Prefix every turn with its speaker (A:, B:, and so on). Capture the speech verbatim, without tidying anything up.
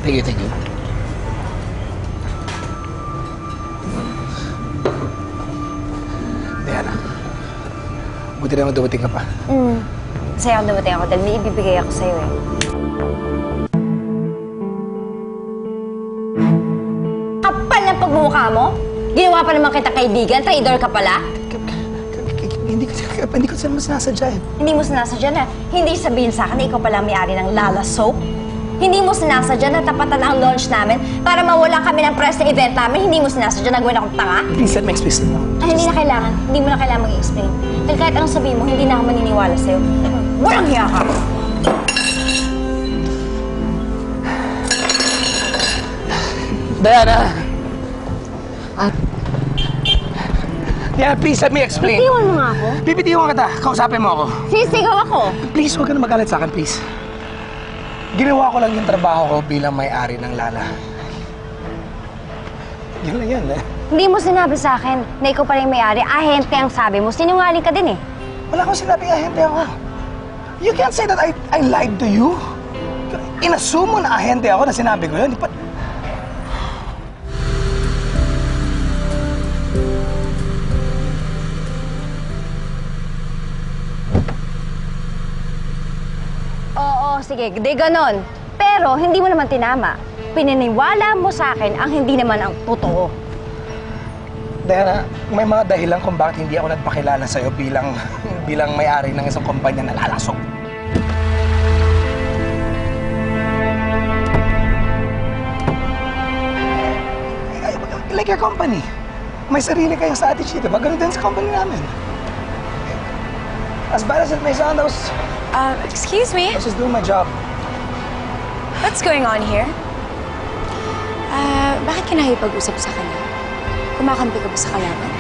A: Thank you, thank you. Diana, buti naman dumating ka pa.
B: Hmm. Masaya akong dumating ako dahil may ibibigay ako sa'yo eh. Kapal ng pagmumukha mo? Ginawa pa naman kita kaibigan, traidor ka pala?
A: Hindi ko, hindi ko sila sinasadya eh.
B: Hindi mo sinasadya na hindi sabihin sa akin na ikaw pala may-ari ng Lala Soap? Hindi mo sinasadya na tapatan ang launch namin para mawala kami ng press na event namin? Hindi mo sinasadya na gawin akong tanga?
A: Please, let me explain mo.
B: Ay, hindi na kailangan. Hindi mo na kailangan mag-explain. Dahil kahit anong sabihin mo, hindi na ako maniniwala sa'yo. Walang hiya ka!
A: Diana! Ah. Diana, please, let me explain.
B: Bitiwan mo nga ako.
A: Bibitiwan kita. Kausapin mo ako.
B: Sisigaw ako.
A: Please, huwag ka na magalit sa akin, please. Ginawa ko lang yung trabaho ko bilang may-ari ng Lala. Yun lang yan, eh.
B: Hindi mo sinabi sa akin na ikaw pala yung may-ari. Ahente ang sabi mo. Sinungaling ka din eh.
A: Wala akong sinabing ahente ako. You can't say that I, I lied to you. Inassume mo na ahente ako na sinabi ko yun. But...
B: Oo, sige. Di ganon. Pero hindi mo naman tinama. Pininiwala mo sa akin ang hindi naman ang totoo.
A: Diana, may mga dahilan kung bakit hindi ako nagpakilala sa'yo bilang, bilang may-ari ng isang kumpanya na Lala Soap. Like your company. May sarili kayong strategy, diba? Ganun din sa company namin. As bad as it may sound, I was,
C: Uh, excuse me?
A: I was just doing my job.
C: What's going on here? Uh, bakit ka nakipag-usap sa kanya? Kumakampi ka ba sa kalaban?